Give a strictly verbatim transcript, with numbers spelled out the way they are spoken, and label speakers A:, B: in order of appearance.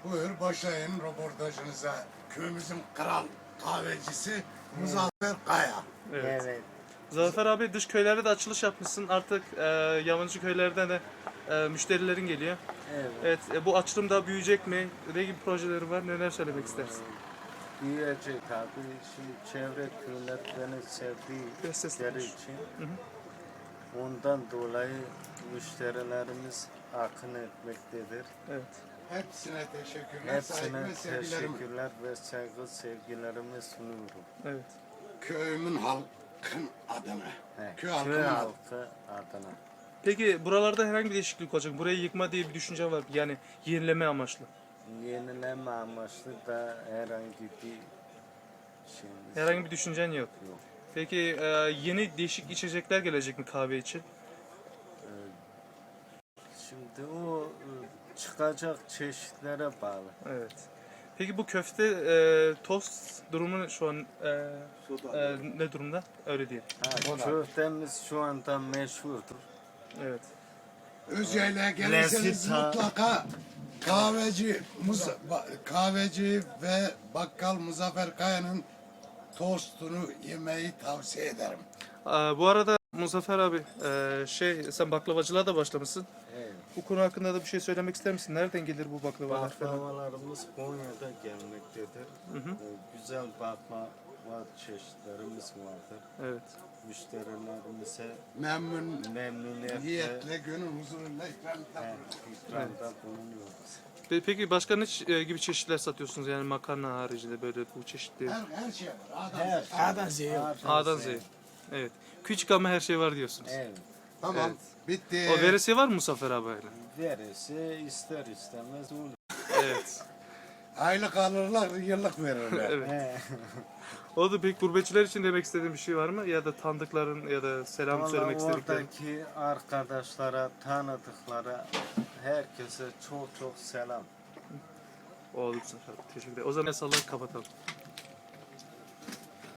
A: Buyur başlayın röportajınıza. Köyümüzün kral kahvecisi Muzaffer Kaya.
B: Evet.
C: Evet.
B: Zafer abi dış köylerde de açılış yapmışsın. Artık e, yabancı köylerden de e, müşterilerin geliyor.
C: Evet.
B: Evet, e, bu açılım daha büyüyecek mi? Ne gibi projeleri var? Neler söylemek istersin?
C: Büyüyecek abi. Şimdi çevre köyler beni
B: Biraz sesli
C: sevdikleri
B: konuş.
C: için
B: Hı hı.
C: ondan dolayı müşterilerimiz akın etmektedir.
B: Evet.
A: Hepsine teşekkürler. saygı
C: Hepsine
A: ve sevgilerimi.
C: teşekkürler ve saygı sevgilerimi sunuyorum.
B: Evet.
A: Köyümün halkın adına.
C: He,
A: Köy
C: köy
A: halkının adına.
C: halkı adına.
B: Peki buralarda herhangi bir değişiklik olacak mı? Burayı yıkma diye bir düşünce var. Yani yenileme amaçlı.
C: Yenileme amaçlı da herhangi bir şeyimiz
B: Herhangi bir düşüncen yok.
C: yok.
B: Peki e, yeni değişik içecekler gelecek mi kahve için?
C: Ee, Şimdi o e, çıkacak çeşitlere bağlı.
B: Evet. Peki bu köfte e, tost durumu şu an e, e, ne durumda? Öyle değil.
C: Ha, köftemiz şu anda meşhurdur.
B: Evet.
A: Özye'yle gelirseniz
C: Lezzet-
A: mutlaka kahveci Muza- ba- kahveci ve bakkal Muzaffer Kaya'nın tostunu yemeyi tavsiye ederim.
B: Aa, bu arada Muzaffer abi e, şey sen baklavacılığa da başlamışsın.
C: Evet.
B: Bu konu hakkında da bir şey söylemek ister misin? Nereden gelir bu baklavalar falan?
C: Baklavalarımız Konya'da gelmektedir.
B: Hı hı.
C: Ee, Güzel baklava çeşitlerimiz vardır.
B: Evet.
C: Müşterilerimize
A: Memnun
C: memnuniyetle
A: niyetle, gönül huzuruyla ikramda
C: he, ikramda bulunuyoruz.
B: Pe- Peki başka ne ç- e, gibi çeşitler satıyorsunuz? Yani makarna haricinde böyle bu çeşitli.
A: her, her şey var. Adam.
C: Her
D: A'dan Z'ye yok.
B: A'dan Z'ye. Evet. Küçük ama her şey var diyorsunuz.
C: Evet.
A: Tamam.
B: Evet.
A: Bitti.
B: O veresiye var mı Muzaffer abi?
C: Veresi ister istemez olur.
B: Evet.
A: Aylık alırlar, yıllık verirler.
B: Evet.
C: He.
B: O da pek gurbetçiler için demek istediğin bir şey var mı? Ya da tanıdıkların ya da selam
C: Vallahi
B: söylemek istediklerin.
C: oradaki arkadaşlara, tanıdıklara, herkese çok çok selam.
B: Oldu Muzaffer abi. Teşekkür ederim. O zaman sallayıp kapatalım.